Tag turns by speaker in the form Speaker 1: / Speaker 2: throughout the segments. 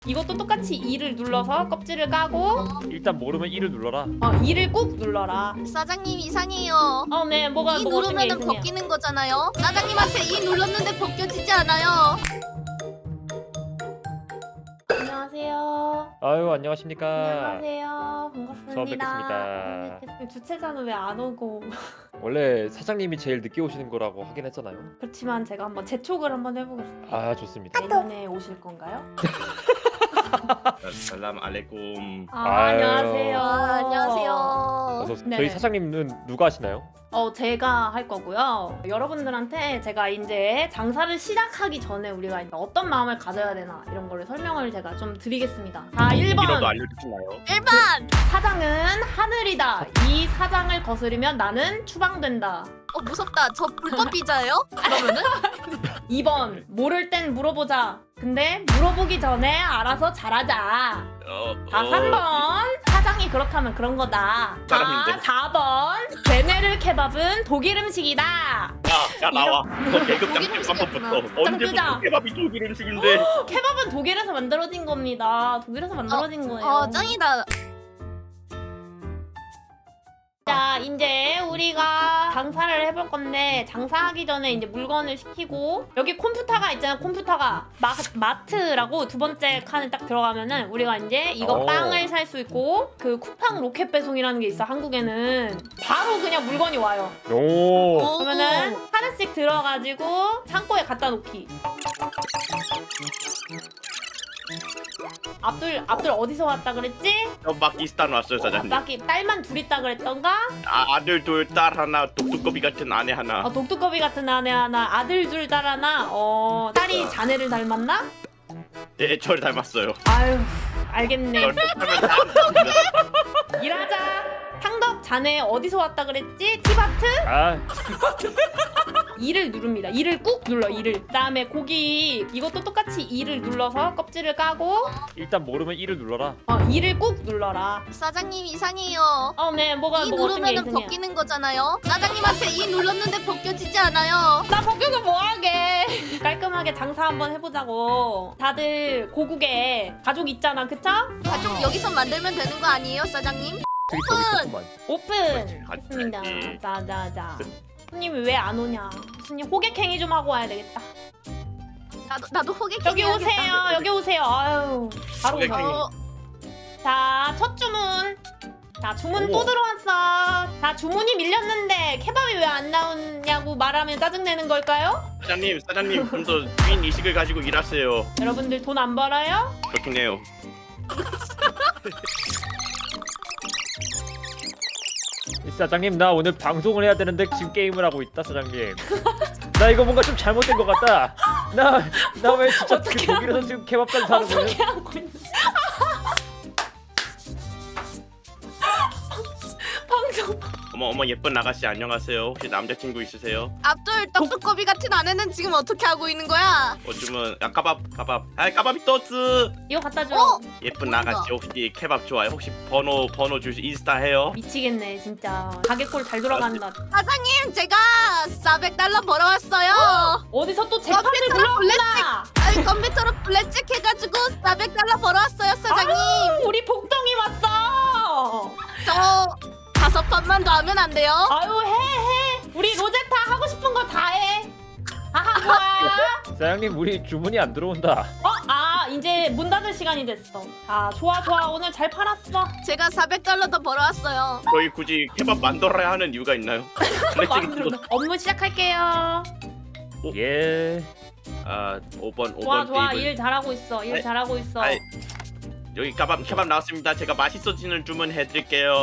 Speaker 1: 이것도 똑같이 2를 눌러서 껍질을 까고
Speaker 2: 일단 모르면 1을 눌러라.
Speaker 1: 2를 꾹 눌러라.
Speaker 3: 사장님 이상해요.
Speaker 1: 네, 뭐가
Speaker 3: 이
Speaker 1: 어떤 게
Speaker 3: 누르면은
Speaker 1: 이상해요?
Speaker 3: 벗기는 거잖아요. 사장님한테 이 눌렀는데 벗겨지지 않아요.
Speaker 1: 안녕하세요.
Speaker 2: 아유 안녕하십니까.
Speaker 1: 안녕하세요. 반갑습니다.
Speaker 2: 처음 뵙겠습니다.
Speaker 1: 주최자는 왜 안 오고?
Speaker 2: 원래 사장님이 제일 늦게 오시는 거라고 하긴 했잖아요.
Speaker 1: 그렇지만 제가 한번 재촉을 한번 해보겠습니다.
Speaker 2: 아 좋습니다.
Speaker 1: 내년에 오실 건가요?
Speaker 4: 살람 알레쿰.
Speaker 2: 아유.
Speaker 1: 안녕하세요.
Speaker 3: 안녕하세요.
Speaker 2: 어서
Speaker 1: 네.
Speaker 2: 저희 사장님은 누가 하시나요?
Speaker 1: 제가 할 거고요. 여러분들한테 제가 이제 장사를 시작하기 전에 우리가 이제 어떤 마음을 가져야 되나 이런 거를 설명을 제가 좀 드리겠습니다. 자,
Speaker 4: 이라도
Speaker 1: 1번.
Speaker 4: 알려주시나요?
Speaker 3: 1번.
Speaker 1: 사장은 하늘이다. 이 사장을 거스르면 나는 추방된다.
Speaker 3: 무섭다. 저 불법 비자예요? 그러면은?
Speaker 1: 2번. 모를 땐 물어보자. 근데 물어보기 전에 알아서 잘하자. 자, 3번. 사장이 그렇다면 그런 거다. 자,
Speaker 4: 사람인데.
Speaker 1: 4번. 베네르 케밥은 독일 음식이다.
Speaker 4: 야 나와. 너 계급
Speaker 3: 독일
Speaker 4: 장점부터
Speaker 3: 음식이었구나.
Speaker 4: 언제부터 케밥이 독일 음식인데?
Speaker 1: 케밥은 독일에서 만들어진 겁니다. 독일에서 만들어진 거예요.
Speaker 3: 짱이다.
Speaker 1: 자, 이제 우리가 장사를 해볼 건데 장사하기 전에 이제 물건을 시키고 여기 컴퓨터가 있잖아요. 컴퓨터가 마트라고 두 번째 칸에 딱 들어가면은 우리가 이제 이거
Speaker 2: 오.
Speaker 1: 빵을 살 수 있고 그 쿠팡 로켓 배송이라는 게 있어. 한국에는 바로 그냥 물건이 와요.
Speaker 2: 오.
Speaker 1: 그러면은 하나씩 들어가지고 창고에 갖다 놓기. 앞들 어디서 왔다 그랬지?
Speaker 4: 저 파키스탄 왔어요 사장님.
Speaker 1: 딸만 둘 있다 그랬던가?
Speaker 4: 아들 둘, 딸 하나, 독두꺼비 같은 아내 하나.
Speaker 1: 독두꺼비 같은 아내 하나, 아들 둘 딸 하나. 딸이 자네를 닮았나?
Speaker 4: 예, 저를 닮았어요.
Speaker 1: 아유, 알겠네.
Speaker 4: 저를 닮은 닮았습니다.
Speaker 1: 일하자. 상덕 자네 어디서 왔다 그랬지? 티바트?
Speaker 2: 아
Speaker 1: 2를 누릅니다. 2를 꾹 눌러. 2를. 그다음에 고기 이것도 똑같이 2를 눌러서 껍질을 까고
Speaker 2: 일단 모르면 1을 눌러라.
Speaker 1: 2를 꾹 눌러라.
Speaker 3: 사장님 이상해요.
Speaker 1: 네, 뭐가
Speaker 3: 이
Speaker 1: 뭐 어떤 게
Speaker 3: 누르면은
Speaker 1: 이상해요?
Speaker 3: 벗기는 거잖아요. 사장님한테 이 눌렀는데 벗겨지지 않아요.
Speaker 1: 나 벗겨서 뭐하게. 깔끔하게 장사 한번 해보자고. 다들 고국에 가족 있잖아, 그쵸?
Speaker 3: 가족 여기서 만들면 되는 거 아니에요, 사장님?
Speaker 2: 되게 저기 좋구만.
Speaker 1: 오픈!
Speaker 4: 같이
Speaker 1: 했습니다.
Speaker 4: 가야지.
Speaker 1: 자자자. 손님이 왜 안 오냐? 손님 호객행위 좀 하고 와야 되겠다.
Speaker 3: 나도 호객.
Speaker 1: 여기 오세요. 여기 오세요. 아유. 바로
Speaker 4: 호객행위.
Speaker 1: 오세요. 자, 첫 주문. 자, 주문
Speaker 2: 오.
Speaker 1: 또 들어왔어. 자, 주문이 밀렸는데 케밥이 왜 안 나오냐고 말하면 짜증내는 걸까요?
Speaker 4: 사장님 좀 더 주인 의식을 가지고 일하세요.
Speaker 1: 여러분들 돈 안 벌어요?
Speaker 4: 그렇긴 해요.
Speaker 2: 사장님 나 오늘 방송을 해야 되는데 지금 게임을 하고 있다 사장님. 나 이거 뭔가 좀 잘못된 것 같다. 나 왜 진짜 그
Speaker 1: 어떻게
Speaker 2: 독일에서 지금 케밥까지 사는 거예요?
Speaker 1: 어떻게 하고 있는 방송
Speaker 4: 어머 예쁜 아가씨 안녕하세요. 혹시 남자친구 있으세요?
Speaker 3: 앞돌 떡두꺼비 같은 아내는 지금 어떻게 하고 있는 거야?
Speaker 4: 요즘은 까밥. 까밥이 떴어.
Speaker 1: 이거 갖다 줘.
Speaker 4: 예쁜 아가씨 혹시 케밥 좋아요? 혹시 번호 줄 수 인스타 해요?
Speaker 1: 미치겠네 진짜. 가게콜 잘 돌아간다.
Speaker 3: 사장님 제가 400달러 벌어왔어요.
Speaker 1: 어디서 또 재판을
Speaker 3: 컴퓨터로
Speaker 1: 불러왔구나.
Speaker 3: 아니 컴퓨터로 블랙잭 해가지고 400달러 벌어왔어요, 사장님.
Speaker 1: 우리 복덩이 왔어.
Speaker 3: 저 5판만 더 하면 안 돼요?
Speaker 1: 아유 해. 우리 로제타 하고 싶은 거 다 해. 하하 좋아.
Speaker 2: 사장님 우리 주문이 안 들어온다.
Speaker 1: 이제 문 닫을 시간이 됐어. 좋아 오늘 잘 팔았어.
Speaker 3: 제가 400달러 더 벌어왔어요.
Speaker 4: 저희 굳이 케밥 만들어야 하는 이유가 있나요? 블랙잭
Speaker 1: 업무 시작할게요.
Speaker 2: 예.
Speaker 4: 5번
Speaker 1: 좋아
Speaker 4: 테이블.
Speaker 1: 일 잘하고 있어. 일
Speaker 4: 아이,
Speaker 1: 잘하고 있어.
Speaker 4: 아이. 여기 케밥 나왔습니다. 제가 맛있어지는 주문 해드릴게요.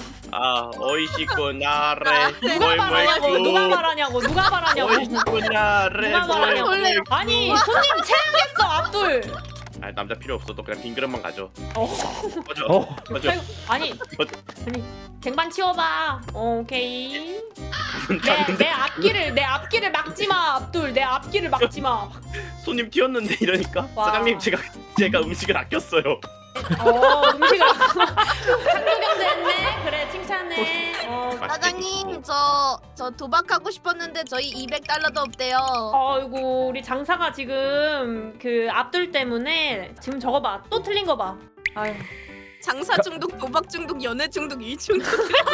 Speaker 4: 오이시쿠나레
Speaker 1: 누가 말하냐고.
Speaker 4: 오이시쿠나레
Speaker 1: 누가 말하냐고. 아니 손님 체하겠어 앞둘.
Speaker 4: 남자 필요 없어. 너 그냥 빈 그릇만 가져. 꺼져.
Speaker 2: 어.
Speaker 4: 꺼져.
Speaker 1: 아니 쟁반 치워봐. 오케이.
Speaker 4: 갔는데
Speaker 1: 내 앞길을 막지 마 앞둘. 내 앞길을 막지 마.
Speaker 4: 손님 튀었는데 이러니까
Speaker 1: 와.
Speaker 4: 사장님 제가 음식을 아꼈어요.
Speaker 1: 음식을 상도경제했네. 그래 칭찬해.
Speaker 3: 사장님 저 도박하고 싶었는데 저희 200달러도 없대요.
Speaker 1: 아이고 우리 장사가 지금 그 앞둘 때문에 지금 저거 봐. 또 틀린 거 봐. 아유.
Speaker 3: 장사 중독, 도박 중독, 연애 중독, 이 중독.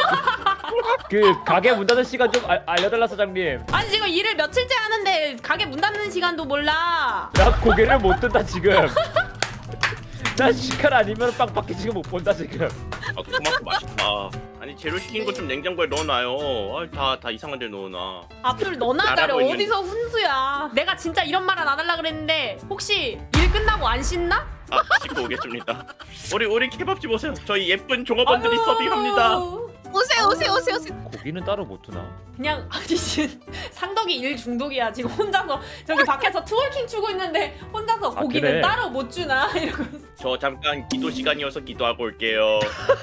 Speaker 2: 그 가게 문 닫는 시간 좀 알려달라 사장님.
Speaker 1: 아니 지금 일을 며칠째 하는데 가게 문 닫는 시간도 몰라.
Speaker 2: 나 고개를 못 든다 지금. 나 시칼 아니면 빵밖에 지금 못 본다 지금.
Speaker 4: 토마토 맛있다. 아니 재료 시킨 거 좀 냉장고에 넣어놔요. 다 이상한 데 넣어놔.
Speaker 1: 앞둘 너나 잘해.
Speaker 4: 잘하고 있는-
Speaker 1: 어디서 훈수야. 내가 진짜 이런 말은 안 하려고 그랬는데 혹시 일 끝나고 안 씻나?
Speaker 4: 씻고 오겠습니다. 우리 케밥집 오세요. 저희 예쁜 종업원들이 서빙합니다.
Speaker 3: 오세요.
Speaker 2: 고기는 따로 못 두나?
Speaker 1: 그냥 아니 지금 상덕이 일 중독이야. 지금 혼자서 저기 밖에서 트월킹 추고 있는데 혼자서
Speaker 2: 아,
Speaker 1: 고기는
Speaker 2: 그래?
Speaker 1: 따로 못 주나 이러고 있어.
Speaker 4: 저 잠깐 기도 시간이어서 기도하고 올게요.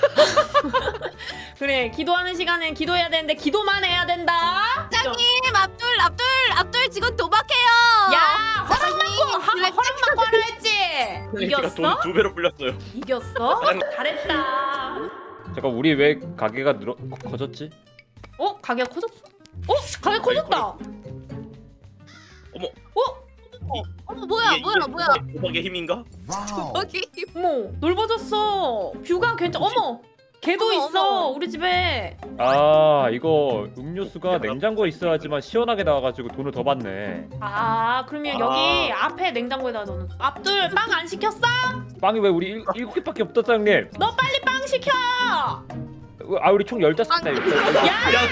Speaker 1: 그래 기도하는 시간엔 기도해야 되는데 기도만 해야 된다.
Speaker 3: 사장님 압둘 지금 도박해요.
Speaker 1: 야 허락 받고 하라 했지.
Speaker 4: 제가
Speaker 1: 이겼어?
Speaker 4: 돈 2배로 불렸어요.
Speaker 1: 이겼어? 잘했다.
Speaker 2: 잠깐 우리 왜 가게가 커졌지?
Speaker 1: 가게가 커졌어? 가게 커졌다.
Speaker 4: 어머.
Speaker 3: 뭐야.
Speaker 4: 이게 도박의 힘인가?
Speaker 3: 도박이
Speaker 1: 어머 넓어졌어. 뷰가 어머 개도
Speaker 3: 어머,
Speaker 1: 있어
Speaker 3: 어머.
Speaker 1: 우리 집에.
Speaker 2: 아 이거 음료수가 냉장고에 있어야지만 시원하게 나와가지고 돈을 더 받네.
Speaker 1: 아 그러면
Speaker 4: 아.
Speaker 1: 여기 앞에 냉장고에다 넣는. 앞둘 빵 안 시켰어?
Speaker 2: 빵이 왜 우리 7개밖에 없다 사장님?
Speaker 1: 너 빨리 빵 시켜.
Speaker 2: 아 우리 총 15개다 이거.
Speaker 4: 야,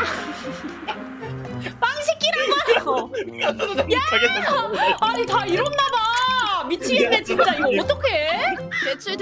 Speaker 1: 빵 시키라고. 아니 다 이렇나 봐. 미치겠네 진짜. 이거 어떡해?
Speaker 3: 대출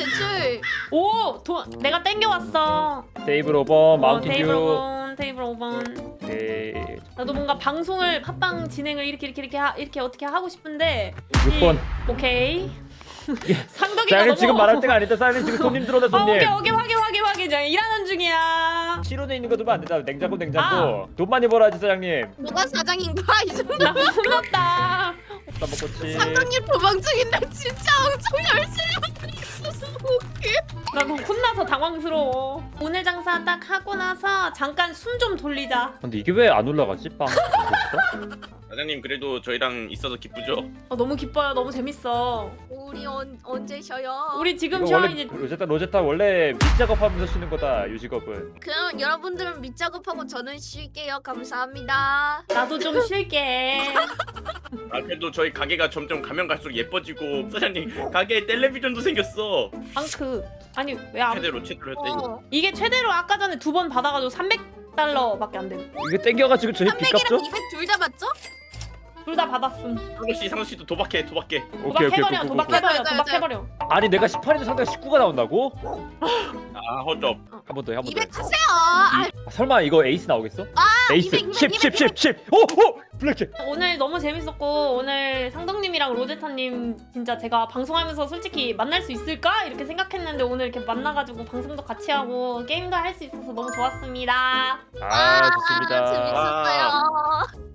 Speaker 1: 내가 땡겨왔어.
Speaker 2: 테이블 5번 마운틴
Speaker 1: 테이블
Speaker 2: 듀.
Speaker 1: 5번 테이블 5번.
Speaker 2: 오케이.
Speaker 1: 나도 뭔가 방송을 팟빵 진행을 이렇게 어떻게 하고 싶은데
Speaker 2: 6번.
Speaker 1: 오케이. 상덕이가
Speaker 2: 사장님
Speaker 1: 너무
Speaker 2: 지금 말할 때가 아니다. 사장님 지금 손님 들어오네 손님.
Speaker 1: 오케이 확인 저 일하는 중이야.
Speaker 2: 실온에 있는 거 두면 안 된다. 냉장고. 돈 많이 벌어야지 사장님.
Speaker 3: 뭐가 사장인가 이 정도.
Speaker 1: 나 혼났다.
Speaker 2: 나 먹었지.
Speaker 3: 사장님 도박 중인데 진짜 엄청 열심히 하고 있어서 웃겨.
Speaker 1: 나 너무 혼나서 당황스러워. 오늘 장사 딱 하고 나서 잠깐 숨 좀 돌리자.
Speaker 2: 근데 이게 왜 안 올라가지? 빵.
Speaker 4: 사장님 그래도 저희랑 있어서 기쁘죠?
Speaker 1: 너무 기뻐요. 너무 재밌어.
Speaker 3: 우리 언제 쉬어요?
Speaker 1: 우리 지금
Speaker 2: 이거
Speaker 1: 쉬어
Speaker 2: 원래
Speaker 1: 이제.
Speaker 2: 로제타 원래 밑작업하면서 쉬는 거다 유직업은.
Speaker 3: 그럼 여러분들은 밑작업하고 저는 쉴게요. 감사합니다.
Speaker 1: 나도 좀 쉴게.
Speaker 4: 그래도 저희 가게가 점점 가면 갈수록 예뻐지고 사장님 가게에 텔레비전도 생겼어.
Speaker 1: 앙크. 아니 왜 안?
Speaker 4: 최대로 했대.
Speaker 1: 이게 최대로 아까 전에 2번 받아가지고 300달러밖에 안 돼.
Speaker 2: 이게 땡겨가지고 저희 빚 갚죠?
Speaker 3: 300이랑 200 둘 다 맞죠?
Speaker 1: 둘 다 받았음.
Speaker 4: 상우 씨도 도박해.
Speaker 2: 오케이.
Speaker 1: 도박해버려.
Speaker 3: 맞아.
Speaker 1: 도박해버려.
Speaker 2: 아니 내가 18에서 상대가 19가 나온다고?
Speaker 4: 아 허접.
Speaker 2: 한 번 더.
Speaker 3: 200 하세요.
Speaker 2: 설마 이거 에이스 나오겠어? 에이스
Speaker 3: 200,
Speaker 2: 10. 오! 블랙잭.
Speaker 1: 오늘 너무 재밌었고 오늘 상덕님이랑 로제타님 진짜 제가 방송하면서 솔직히 만날 수 있을까 이렇게 생각했는데 오늘 이렇게 만나가지고 방송도 같이 하고 게임도 할 수 있어서 너무 좋았습니다.
Speaker 2: 아 좋습니다.
Speaker 3: 재밌었어요.